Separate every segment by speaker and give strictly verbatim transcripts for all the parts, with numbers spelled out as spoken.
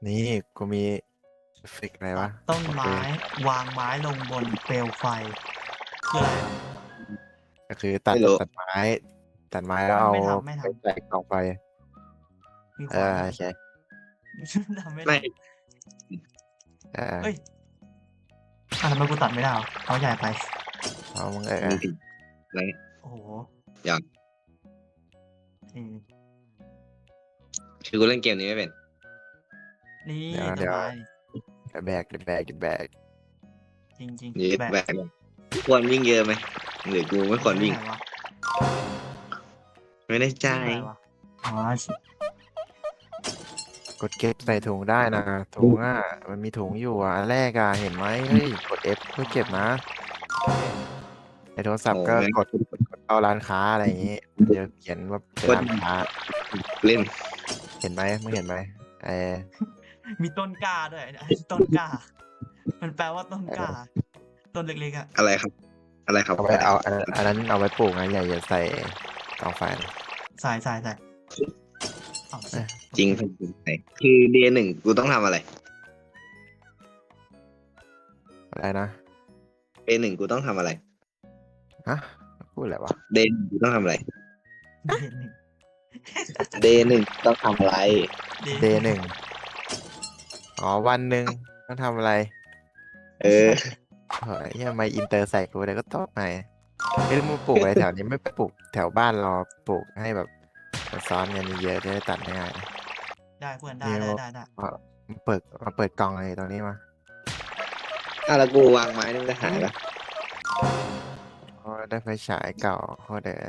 Speaker 1: นี่กูมีเอฟเฟกต์อะไร
Speaker 2: ตั
Speaker 1: วะ
Speaker 2: ดต้น
Speaker 1: โอเค
Speaker 2: ไม้วางไม้ลงบนเปลวไฟคืออะไรอะ
Speaker 1: ก็คือตัด
Speaker 3: ไม่รู้
Speaker 1: ตัดไม้ตัดไม้แล้ว
Speaker 2: ไม่
Speaker 1: เอา
Speaker 2: ไม่ทำไม่ท
Speaker 1: ไปใส่กล่องไฟ
Speaker 2: ำมี
Speaker 1: เออ
Speaker 2: ขวานด้วย
Speaker 1: โอเค
Speaker 2: ทำไม่
Speaker 3: ไม่
Speaker 2: ทำ
Speaker 1: เออ
Speaker 2: เอ้ยอ่ะทำไมกูตัดไม่ได้วะเขาใหญ่ไป
Speaker 1: เอามึงเออ
Speaker 3: มีถึงอะไร
Speaker 2: โอ้โห
Speaker 3: อย่าง
Speaker 2: อืม
Speaker 3: คือกูเล่นเกมนี้ไม่เป็น
Speaker 2: นี่
Speaker 1: เดี๋ยว
Speaker 2: ต้
Speaker 1: เดี๋
Speaker 2: น
Speaker 1: ยว
Speaker 2: ไม้
Speaker 1: เดี๋ยวแบกเดี๋ยวแบกเดี๋ยวแบก
Speaker 2: จริงจริง
Speaker 3: ยี
Speaker 2: แบก
Speaker 3: แบกควรวิ่งเยอะไหมหรือกูไม่ควรวิ่ง
Speaker 2: ไหนวะ
Speaker 3: ไม่ได้ใจ
Speaker 2: วิ่งอะไรวะอ๋อ
Speaker 1: กดเก็บใส่ถุงได้นะถุงอ่ะมันมีถุงอยู่อ่ะอันแรกอ่ะเห็นไหมเฮ้ยกด F เพื่อเก็บนะในโทรศัพท์ก็
Speaker 3: โอ้แม่ง
Speaker 1: กดกดเข้าร้านค้าอะไรอย่างงี้มันจะเขียนว่าเป็นร้านค้า
Speaker 3: เล่น
Speaker 1: เห็นไหมมึงเห็นไหมเออ
Speaker 2: มีต้นกล้าด้วยเนี่ยต้นกล้า มันแปลว่าต้นกล้า ต้นเล็กๆอ่ะ
Speaker 3: อะไรครับ อะไรครับ
Speaker 1: เอาไปเอาอันนั้นอันนั้นเอาไว้ปลูกนะอย่าอย่าใส่กองไฟนะ
Speaker 2: ใส่ใส่ใส่เอาสิ
Speaker 3: จริงคือเดย์หนึ่งกูต้องทำอะไร
Speaker 1: อะไรนะ
Speaker 3: เดย์หนึ่งกูต้องทำอะไร
Speaker 1: ฮะพูดอะไรวะ
Speaker 3: เดย์กูต้องทำอะไร
Speaker 2: เดย์หนึ่ง
Speaker 3: เดย์หนึ่งต้องทำอะไร
Speaker 1: เดย์หนึ่งอ๋อวันหนึ่งต้องทำอะไร
Speaker 3: เออ
Speaker 1: เฮ้ยทำไมอินเตอร์ใส่กูเลยก็ตอบไงไม่ได้มาปลูกอะไรแถวนี้ไม่ไปปลูกแถวบ้านเราปลูกให้แบบมันซ้อนกันเยอะๆจะได้ตัดง่าย
Speaker 2: ได้เพื่อนได้
Speaker 1: นิว
Speaker 2: ได้ได้ได้
Speaker 1: ๆมามาเปิดมาเปิดกล่องอะไรตรงนี้มา
Speaker 3: อ่ะแล้วกูวางไม้นี่มันจะหายปะ
Speaker 1: โอ้ได้ไฟฉายเก่าโคตรเด้อ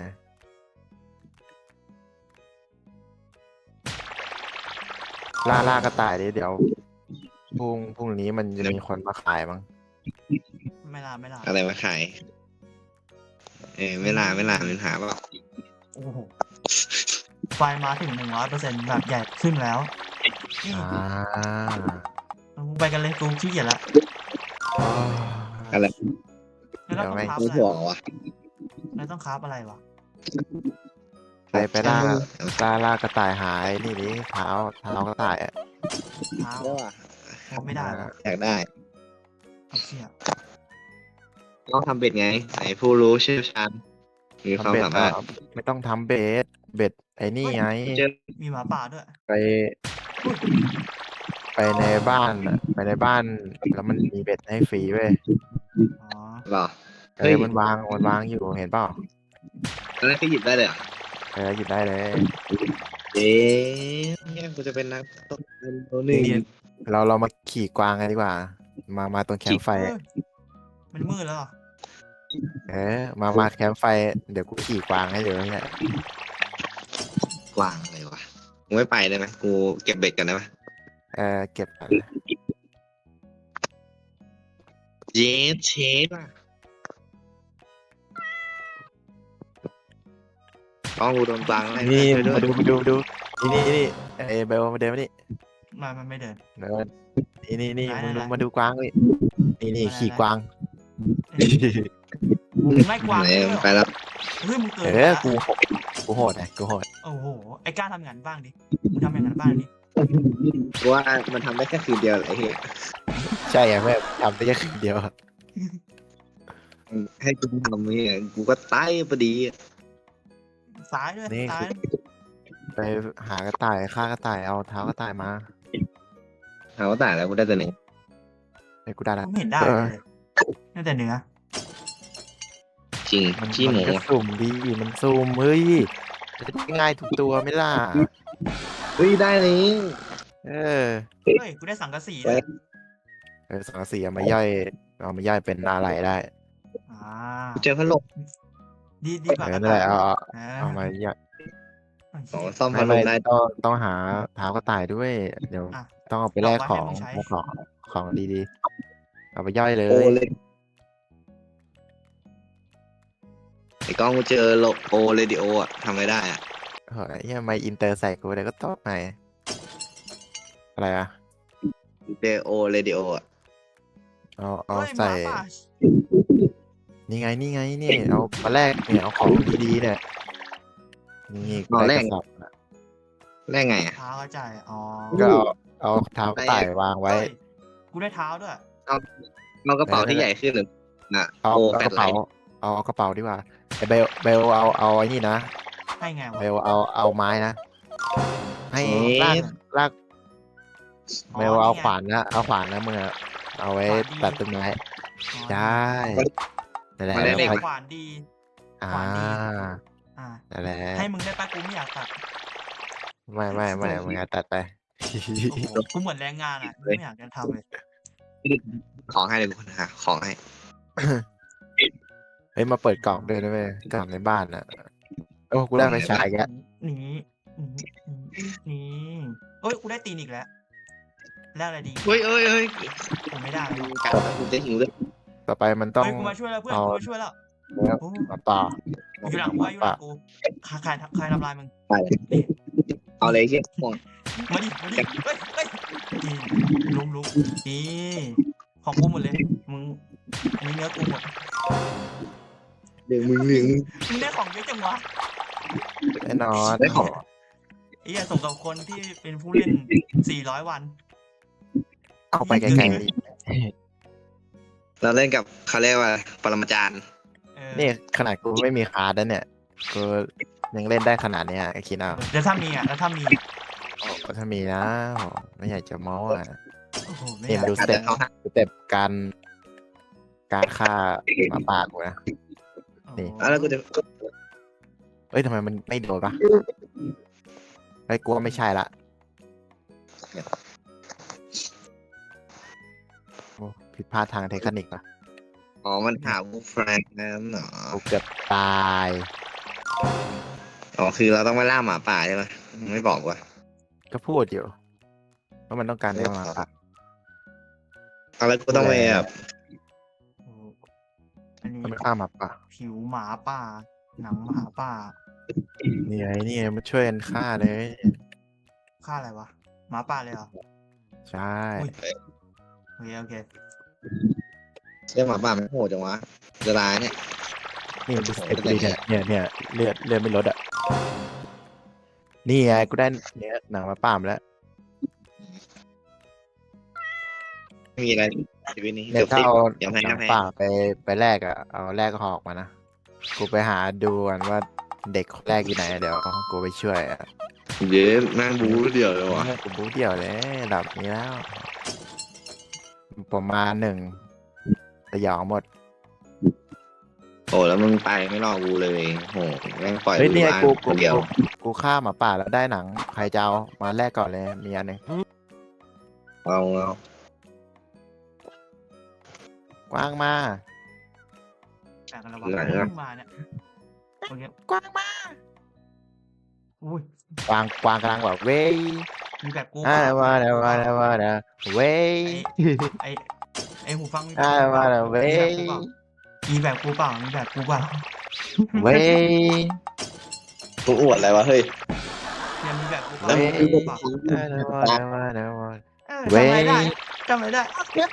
Speaker 1: ล่าล่ากระต่ายดิเดี๋ยวพรุ่งพรุ่งนี้มันจะมีคนมาขายมั้ง
Speaker 2: ไม่ลาไม่ลา
Speaker 3: อะไรมาขาย เออไม่ลาไม่ลามันหาเปล่า
Speaker 2: โอ้โหไฟมาถึงหนึ่งร้อยเปอร์เซ็นต์แบบใหญ่ขึ้นแล้วนี่
Speaker 1: อ่า
Speaker 2: มึงไปกันเลยกูขี้เกียจละ
Speaker 1: โอ้
Speaker 3: อะไร
Speaker 2: แล้วเราต้อง
Speaker 1: เดี๋ยวไม่
Speaker 2: คราฟ
Speaker 3: กู
Speaker 2: อะไร
Speaker 3: ห่วง
Speaker 2: วะ
Speaker 3: วะ
Speaker 2: แล้วต้องคราฟอะไรวะ
Speaker 1: ไปไปล่าล่าล่ากระต่ายหายนี่ดิเท้าเท้ากระต่ายอ่ะ
Speaker 2: เท้า
Speaker 3: ใช่ป่ะ
Speaker 2: โอ้ไม่ได้วะ
Speaker 3: อยากได้
Speaker 2: ไอ้เชี่ย
Speaker 3: ต้องทำเบ็ดไงไหนผู้รู้เชี่ยวชาญมีความ
Speaker 1: ทำเบ็ด
Speaker 3: สามารถ
Speaker 1: อ่ะไม่ต้องทำเบ็ดเบ็ดไอ้นี่ไง
Speaker 3: เจอ
Speaker 2: มีหมาป่าด้วย
Speaker 1: ไป
Speaker 2: อุ้ย
Speaker 1: ไปในบ้านอ่ะไปในบ้านแล้วมันมีเบ็ดให้ฟรีเว้ย
Speaker 2: อ๋อ
Speaker 3: หรอ
Speaker 1: เอ
Speaker 3: เฮ้ย
Speaker 1: อมันวางมันวางอยู่เห็นเปล่า
Speaker 3: ตอนแรกก็หยิบได้เลยเหรอ
Speaker 1: เออหยิบได้เลย
Speaker 3: เอ๊ะเนี่ยกูจะเป็นนักตกปลาตัวหนึ่ง
Speaker 1: นี่เราเรามาขี่กวางกันดีกว่า มามาตรงแคมป์ไฟ
Speaker 2: เอ้ยมันมืดแล้วเหรอ
Speaker 1: เออมามาแคมป์ไฟเดี๋ยวกูขี่กวางให้เดี๋ยวเนี่ย
Speaker 3: กวางอะไรวะกูไม่ไปได้ไหมกูเก็บเบ็ดกันได้ไหม
Speaker 1: เออเก็บก่อน
Speaker 3: เยสเชฟอ่ะต้องกูโดนกวางอะไร
Speaker 1: นี่
Speaker 3: ช่วยด้ว
Speaker 1: มาย ดูมาดูมาดูนี่นี่นี่เอเบลมาเดินมานี่
Speaker 2: มามันไม่เดิน
Speaker 1: เดินนี่นี่นี่
Speaker 2: ไหน
Speaker 1: มึงดู
Speaker 2: ไหน
Speaker 1: มาดูกวางนี่นี่นี่
Speaker 2: ไหน
Speaker 1: ขี่
Speaker 2: ไหน
Speaker 1: กวาง
Speaker 2: มึงไล่กวาง
Speaker 3: ไหน
Speaker 2: ด้วยเหรอ
Speaker 3: ไปแล้ว
Speaker 2: เฮ้ยมึงเกิน
Speaker 1: เอ
Speaker 2: ไป
Speaker 1: อ
Speaker 2: ละ
Speaker 1: กูโหดกูโหดไงกูโหด
Speaker 2: โอ้โหไอ้กล้าทำอย่างนั้นบ้างดิมึงทำอย่างนั้นบ้างดิ
Speaker 3: กูว่ามันทำได้แค่คืนเดียวแหละไอ้เหี้ย
Speaker 1: ใช่ไงแม่ทำได้แค่คืนเดียว
Speaker 3: ให้กูทำเนี่ยกูก็ตายพอดีอะ
Speaker 2: ซ้ายด้วย
Speaker 1: นี่
Speaker 2: ซ้าย
Speaker 1: ไปหากระต่ายฆ่ากระต่ายเอาเท้ากระต่ายมา
Speaker 3: เอาว่าแต่แล้วกูได้แต่หนึ่ง
Speaker 1: ไอ้กูได้ละ
Speaker 2: ไม่เห็นได้
Speaker 1: เอ
Speaker 2: เล
Speaker 1: อย
Speaker 2: นั่นแต่เนื้อ
Speaker 3: จริง
Speaker 1: มัน
Speaker 3: ขี้ห
Speaker 1: มั
Speaker 3: มู
Speaker 1: นก็สุ่มดีมันสุ่มเฮ้ยจะได้ง่ายทุกตัวไหม่ล่ะ
Speaker 3: เฮ้ยได้เลย
Speaker 1: เออ
Speaker 2: เฮ้ยกูได้สังกะสีด้วย
Speaker 1: เออสังกะสีเอามาย่อยเอามาย่อยเป็นอะไรได้
Speaker 2: อ่า
Speaker 3: กูเจอพัดลม
Speaker 2: ดีดีกว่า
Speaker 1: เออก
Speaker 2: ระ
Speaker 1: นั่นแห
Speaker 2: ต่าย
Speaker 1: ละเอาเอา
Speaker 2: เอ
Speaker 1: เอามาย่อย
Speaker 3: อ๋อซ่อม
Speaker 1: ไม่
Speaker 3: พัดล
Speaker 1: ไม่
Speaker 3: มได้
Speaker 1: ต้องต้องหาเท้ากระต่ายด้วย เดี๋ยว
Speaker 2: อ่ะ
Speaker 1: ต้องเอาไปแลกของ
Speaker 2: เอาไว้ให้มึงใช้
Speaker 1: ของของดีๆเอาไปย่อยเล
Speaker 3: โอย เลยไอ้กล้องกูเจอโลโอเรดิโออะทำไม่ได้อะ
Speaker 1: เฮ้ยทำไมอินเตอร์ใส่กูเลยก็ตอบไงอะไรอะ
Speaker 3: เจอโอเรดิโออะ
Speaker 1: เอาเอา
Speaker 2: เฮ้ยห
Speaker 1: ใส่
Speaker 2: มาป่า
Speaker 1: นี่ไงนี่ไงนี่เอามาแลกเนี่ยเอาของดีๆเนี่ยนี่ได้กระสอบนะ
Speaker 3: ได้ไงอะ
Speaker 2: เท้ากระจายอ๋อ
Speaker 1: ก็เอาเอาเท้ากระต่ายวางไว้
Speaker 2: เฮ้ยกูได้เท้าด้วย
Speaker 3: เอาเอากระเป๋าที่ใหญ่ขึ้นหนึ่งนะ
Speaker 1: เอา
Speaker 3: โอ้
Speaker 1: เอา
Speaker 3: แฟ
Speaker 1: ก
Speaker 3: ล
Speaker 1: ระ
Speaker 3: ไล
Speaker 1: เป๋า
Speaker 3: ท์
Speaker 1: เอาเอากระเป๋าดีกว่าไอเบลเบลเอาเอาไอ้นี่นะ
Speaker 2: ให้ไงวะ
Speaker 1: เบลเอาเอาไม้นะ ให้ลากลาก
Speaker 2: อ๋อ
Speaker 1: เบลเอา
Speaker 2: นี่ไง
Speaker 1: ขวานนะเอาขวานนะมึงอะเอาไว้
Speaker 2: ขวานดี
Speaker 1: ตัดต้นไม้
Speaker 2: อ๋อ
Speaker 1: ใช่นั่นแหละ
Speaker 3: มันได้
Speaker 1: แล้ว
Speaker 2: เด็ก
Speaker 1: ค่อย
Speaker 2: ขวานดี
Speaker 1: อ่า
Speaker 2: ขวานดี อ่า
Speaker 1: นั่นแหละ
Speaker 2: ให้มึงได้ปะกูไม่อยากตัด
Speaker 1: ไม่ไม่ไม่มึงอะตัดไป
Speaker 2: โอ้โหกูเหมือนแรงงานอ่ะกูไม่อยากจะทำเลย
Speaker 3: ของให้เลยกูนะฮะของให้
Speaker 1: เฮ้ยมาเปิดกล่องด้วยนะเว้ยกล่องในบ้านอ่ะโอ้กูได้ไฟฉายแกแล้ว
Speaker 2: นี่นี่นี่เอ้ยกูได้ตีนอีกแล้วแล้วอะไรดี
Speaker 3: เฮ้ยเอ้ยเอ้ย
Speaker 2: ผมไม่ได้แล้ววะ
Speaker 3: กัดแล้วกูจะหิวเลย
Speaker 1: ต่อไปมันต้อง
Speaker 2: เฮ้ยกูมาช่วยแล้วเพื่อน
Speaker 1: เอา
Speaker 2: กูมาช่วยแล้ว
Speaker 1: เนื้อ
Speaker 2: โอ้
Speaker 1: มาต่อ
Speaker 2: อยู่หลังกูอยู่หลังกูใครใครใครทำลายมึง
Speaker 3: ไปเลย
Speaker 2: นี่
Speaker 3: เอาเลยเชี่ยห่วง
Speaker 2: มาดิมาดิเฮ้ยเฮ้ยนี่ลุมลุมนี่ของกูหมดเลยมึงอันนี้เนื้อกูหมด
Speaker 3: เดี๋ยวมึงเลี้ยง
Speaker 2: มึงได้ของเยอะจังวะ
Speaker 1: แน่นอน
Speaker 3: ได้ของ
Speaker 2: ไอ้เหี้ยส่งกับคนที่เป็นผู้เล่นสี่ร้อยวัน
Speaker 1: เอาไปไกล
Speaker 3: เราเล่นกับเขาเรียกว่าปรมาจารย์
Speaker 2: เออ
Speaker 1: ๆนี่ขนาดกูไม่มีคาร์ดนะเนี่ยกูยังเล่นได้ขนาดเนี้ยคิดเอา
Speaker 2: แล้วถ้ามีอ่ะแล้วถ้ามีอะ
Speaker 1: ก็ถ้ามีนะโหไม่อยากจะเมาอ่ะ
Speaker 2: โอ้โหไม่
Speaker 1: นี่
Speaker 2: อยาก
Speaker 1: มาดูสเต็ป
Speaker 3: เขาหัก
Speaker 1: สเต็ปการการฆ่าหมาป่ากูนะ นี่
Speaker 2: โอ้โห
Speaker 3: แล้วกูจะ
Speaker 1: เอ้ยทำไมมันไม่โดนปะไอ้ยกูว่าไม่ใช่ละโอ้ผิดพลาดทางเทคนิคว่ะ
Speaker 3: อ๋อมันหาวูแฟรงค์นั่นเหรอ
Speaker 1: กูเกือบตาย
Speaker 3: อ๋อคือเราต้องไปล่าหมาป่าใช่ไหมไม่บอกว่ะ
Speaker 1: ก็พูดอยู่ว่ามันต้องการได้หมาป่า
Speaker 3: เอาแล้วกูต้องไปแบบ
Speaker 2: โอ้โหอันนี้
Speaker 1: ต้องไปฆ่าหมาป่า
Speaker 2: ผิวหมาป่า หนังหมาป่า
Speaker 1: นี่ไงนี่ไงมันช่วยกันฆ่าเลย
Speaker 2: ค่าอะไรวะหมาป่าเลยเหรอ
Speaker 1: ใช่
Speaker 2: อุ้ย โอเคโอเค
Speaker 3: เรื่องหมาป่ามันโหดจังวะจะตายเนี่ย
Speaker 1: นี่มันดูสเต็ปดีเนี่ยเนี่ยเนี่ยเลือดเลือดไม่ลดอ่ะนี่ไงกูได้เนี่ยหนังหมาป่ามาแล้ว
Speaker 3: ไม่มีอะไรชีวิตนี้
Speaker 1: เนี่ยถ้าเอา
Speaker 3: เดี๋ยวให้
Speaker 1: หนั
Speaker 3: นะ
Speaker 1: ง
Speaker 3: แพ้
Speaker 1: ป่าไปไปแลกอ่ะเอาแลกหอกมานะกูไปหาดูกันว่าเด็กคนแรกอยู่ไหนเดี๋ยวกูไปช่วยอ่ะ
Speaker 3: เย้นั่งบูเดียวเลยวะ
Speaker 1: กูบู๊เดี่ยวเลยระดับนี้แล้วผมมาหนึ่งสยองหมด
Speaker 3: โอ้แล้วมึงไปไม่รอกูเลยโหแม่งปล่อย
Speaker 1: เฮ้ย
Speaker 3: กู
Speaker 1: เนี่ย
Speaker 3: บ้าน
Speaker 1: กู
Speaker 3: ค
Speaker 1: กู
Speaker 3: นเดียว
Speaker 1: กูกูฆ่าหมาป่าแล้วได้หนังใครจะเอามาแลกก่อนเลยมีอันหนึง
Speaker 3: เอาเอา
Speaker 1: กว้างมา
Speaker 2: แต่กันแล้ววะเพิ่งมาเนี่ยโอเค
Speaker 1: กว้างมา
Speaker 2: อุ้ย
Speaker 1: กวางกวางกำลังแบบเว้ย
Speaker 2: มีแบบกู
Speaker 1: อ่า
Speaker 2: เปล่
Speaker 1: มาแล้วมาแล้วมาแล้วเว้ย
Speaker 2: ไอไอหูฟังมีแบบ
Speaker 1: อ่า
Speaker 2: กูเป
Speaker 1: มา
Speaker 2: ล่า
Speaker 1: แล้วเว้ย
Speaker 2: มีแบบกูเปล่ามีแบบกูเปล่า
Speaker 1: เว้ย
Speaker 3: กูอวดอะไรวะเฮ้ย
Speaker 2: เนี่ยมีแบบกูเป
Speaker 3: แล้
Speaker 2: ล่าว
Speaker 3: มึง
Speaker 2: มีแบบกูเปล่า
Speaker 1: อ่ามาแล้วมาแล้วมา
Speaker 2: เออ
Speaker 1: เว้
Speaker 2: จำ
Speaker 1: ย
Speaker 2: อะไรได้จำอะไรได้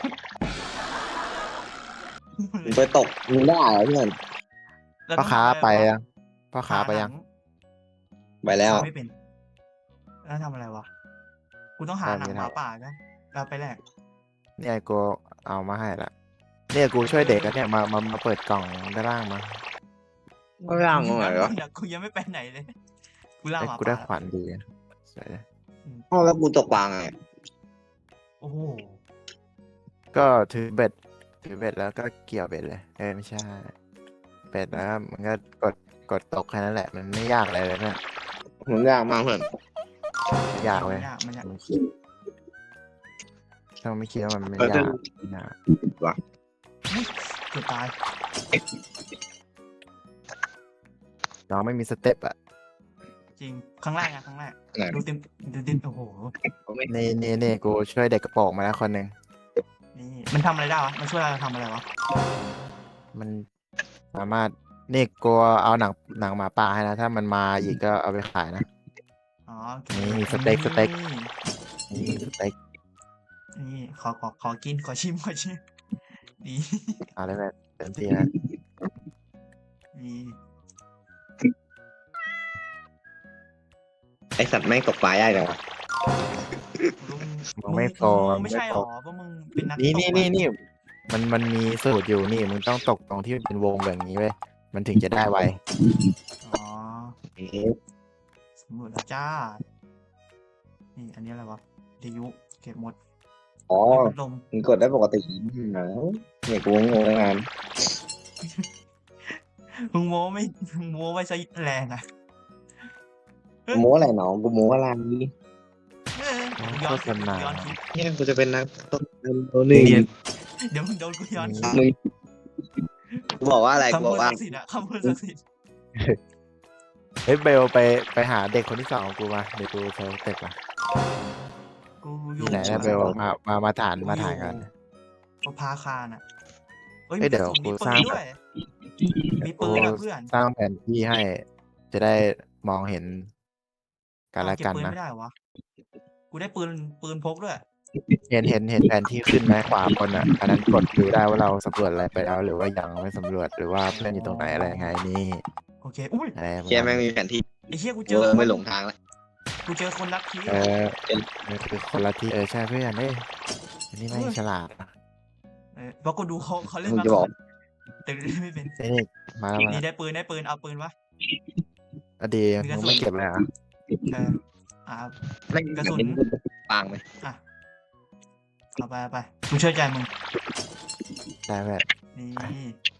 Speaker 3: มึงไปตกมึงได้เหรอเพื่อน
Speaker 2: แล้ว
Speaker 1: พ่อ
Speaker 2: ต้อง
Speaker 1: ค้า
Speaker 2: ทำะร
Speaker 1: ไป
Speaker 2: วะ
Speaker 1: ยังพ่อค้าไปยัง
Speaker 3: ไปแล้ว
Speaker 2: ทำไม่เป็น แล้วทำอะไรวะ กูต้องหาหนังหมาป่านะแล้วไปแลก
Speaker 1: เนี่ยกูเอามาให้ละเนี่ยกูช่วยเด็กแล้วเนี่ยมามามาเปิดกล่องด้านล่างมา
Speaker 3: ก็ร่างมึงเหรอ
Speaker 2: เนี่ยกูยังไม่ไปไหนเลย กูล่า
Speaker 1: เอ้ย
Speaker 2: หมา
Speaker 1: กูได้
Speaker 2: ป่า
Speaker 1: ขวานดีสวย
Speaker 3: อ้าวแล้วกูตกปลาไง
Speaker 2: โอ้โห
Speaker 1: ก็ถือเบ็ดถือเบ็ดแล้วก็เกี่ยวเบ็ดเลยเออไม่ใช่เบ็ดแล้วมันก็กดกดตกแค่นั้นแหละมันไม่ยากอะไรเลยเนี่ย
Speaker 3: มันยากมากเพื่อน
Speaker 1: ไม่ยากเว้ย
Speaker 2: มันยากมันยาก
Speaker 1: ถ้าไม่คิดว่ามันไม่
Speaker 3: เออย
Speaker 1: ากไม่ยาก
Speaker 2: เกือบตาย
Speaker 1: น้องไม่มีสเต็ปอ่ะ
Speaker 2: จริง ครั้งแรกอะครั้งแรก
Speaker 3: ไหน
Speaker 2: ดูเต็มดูเต็มโอ้โห
Speaker 1: นี่นี่นี่กูช่วยเด็กกระโปรงมาแล้วคนหนึ่ง
Speaker 2: นี่มันทำอะไรได้วะ มันช่วยเราทำอะไรวะ
Speaker 1: มันสามารถนี่กูเอาหนังหนังหมาป่าให้นะถ้ามันมาอีกก็เอาไปขายนะ
Speaker 2: อ๋อโอเค
Speaker 1: นี่สเต็กสเต็ก
Speaker 2: นี่
Speaker 1: นี่สเต็ก
Speaker 2: นี่ขอขอขอกินขอชิมขอชิมนี่
Speaker 1: เอาได้แบบเต็มที่นะ
Speaker 2: นี่
Speaker 3: ไอสัตว์แม่งตกปลายากจังวะ
Speaker 2: ลุง
Speaker 1: มึมึงไม่โปร
Speaker 2: มึง
Speaker 1: มึ
Speaker 2: ไม่
Speaker 1: ง
Speaker 2: ใช่
Speaker 1: ไม่
Speaker 2: ห
Speaker 1: โป
Speaker 2: ร
Speaker 1: ร
Speaker 2: อว่ามึงเป็นนัก
Speaker 1: นี่
Speaker 2: ตก
Speaker 1: นี่
Speaker 2: อะ
Speaker 1: นี่นี่มันมันมีสูตรอยู่นี่ มึงต้องตกตรงที่เป็นวงแบบนี้เว้ยมันถึงจะได้ไว
Speaker 2: อ๋อ
Speaker 3: เอ๊ะ
Speaker 2: สำรวจแล้วจ้า นี่อันนี้อะไรวะวิทยุเก็บหมด
Speaker 3: อ๋อ
Speaker 2: เฮ้ยพัดลม
Speaker 3: มึงกดได้ปกติเหรอเนี่ยกูงงตั้งนาน
Speaker 2: มึงโม้ไม่มึงโม้ไว้ซะแรงอ่ะ เฮ้ย
Speaker 3: โม้อะไรน้องกูโม้อะไร
Speaker 2: เออย้อนคลิปย้อนคลิป
Speaker 3: เนี่ยกูจะเป็นนักตกเงินตัวหนึ่ง
Speaker 2: เดี๋ยวมึงโดนกูย้อนคลิป
Speaker 3: มึงกูบอกว่าอะไรกู
Speaker 2: คำ
Speaker 3: บ
Speaker 2: พู
Speaker 3: อ
Speaker 2: ด
Speaker 3: กว่า
Speaker 2: ศักดิ์สิทธิ์อะคำพูดศักดิ์สิทธิ์
Speaker 1: เฮ้ยเบลไปไปหาเด็กคนที่สองของกูมาเดี๋ยวกูเซลเต็ปมา
Speaker 2: กูอ
Speaker 1: อยู่ ยู่ไหนนะเบลมามามาฐานมาฐานกัน
Speaker 2: กูพาคารน่ะเฮ้ย
Speaker 1: เฮ้ยเดี๋ยว
Speaker 2: มี
Speaker 1: กู
Speaker 2: ปื
Speaker 1: สร้าน ง
Speaker 2: ด้วย มีปื
Speaker 1: กู
Speaker 2: นอะเพื่อน
Speaker 1: สร้างแผนที่ให้ จะได้มองเห็นกัน
Speaker 2: อ้าว
Speaker 1: และ
Speaker 2: เก็บ
Speaker 1: กัน
Speaker 2: ปืน
Speaker 1: นะ
Speaker 2: ไม่ได้เหรอวะ กูได้ปืนปืนพกด้วย
Speaker 1: เห็นเห็นเห็นแผนที่ขึ้นไหมขวาบนอ่ะ อันนั้นกดดูได้ว่าเราสำรวจอะไรไปแล้ว หรือว่ายังไม่สำรวจหรือว่าเพื่อนอยู่ตรงไหนอะไรยังไงนี่
Speaker 2: โอเค อุ้ย
Speaker 1: อะไรประ
Speaker 3: เชี่ย
Speaker 1: มา
Speaker 3: แม่
Speaker 1: ณ
Speaker 3: ง
Speaker 1: นี้
Speaker 3: มีแผนที่
Speaker 2: ไอ้เหี้ยกูเจ
Speaker 3: กู
Speaker 2: อ
Speaker 3: เริ่ม
Speaker 2: คน
Speaker 3: ไม่หลงทางแล้ว
Speaker 2: กูเจอคนรักที
Speaker 1: เออนี่คือคนละที่เออใช่เพื่อนเอ้ยอันนี้ไม่งฉลาดนะ
Speaker 2: เออเพราะกูดูเขาเขาเล่น
Speaker 3: มึง
Speaker 2: มา
Speaker 3: จะ
Speaker 2: ก่
Speaker 3: บ
Speaker 2: อ
Speaker 3: อก
Speaker 2: นแต่เล่นไม่เป็น
Speaker 1: นี่มาแล้วมา
Speaker 2: นี่
Speaker 1: แล้ว
Speaker 2: ได้ปืนได้ปืนเอาปืนวะ
Speaker 1: อะดี
Speaker 2: มีกระ
Speaker 1: มึง
Speaker 2: สุน
Speaker 1: ไม่เก็บเลยเหรอ่ะ
Speaker 2: เอออ่า
Speaker 3: แม่ง
Speaker 2: กระสุน
Speaker 3: แบบนี้ปางไหม
Speaker 2: อ่ะเอาไปเอาไปกูเชื่อใจมึง
Speaker 1: ได้เพื่อน
Speaker 2: นี่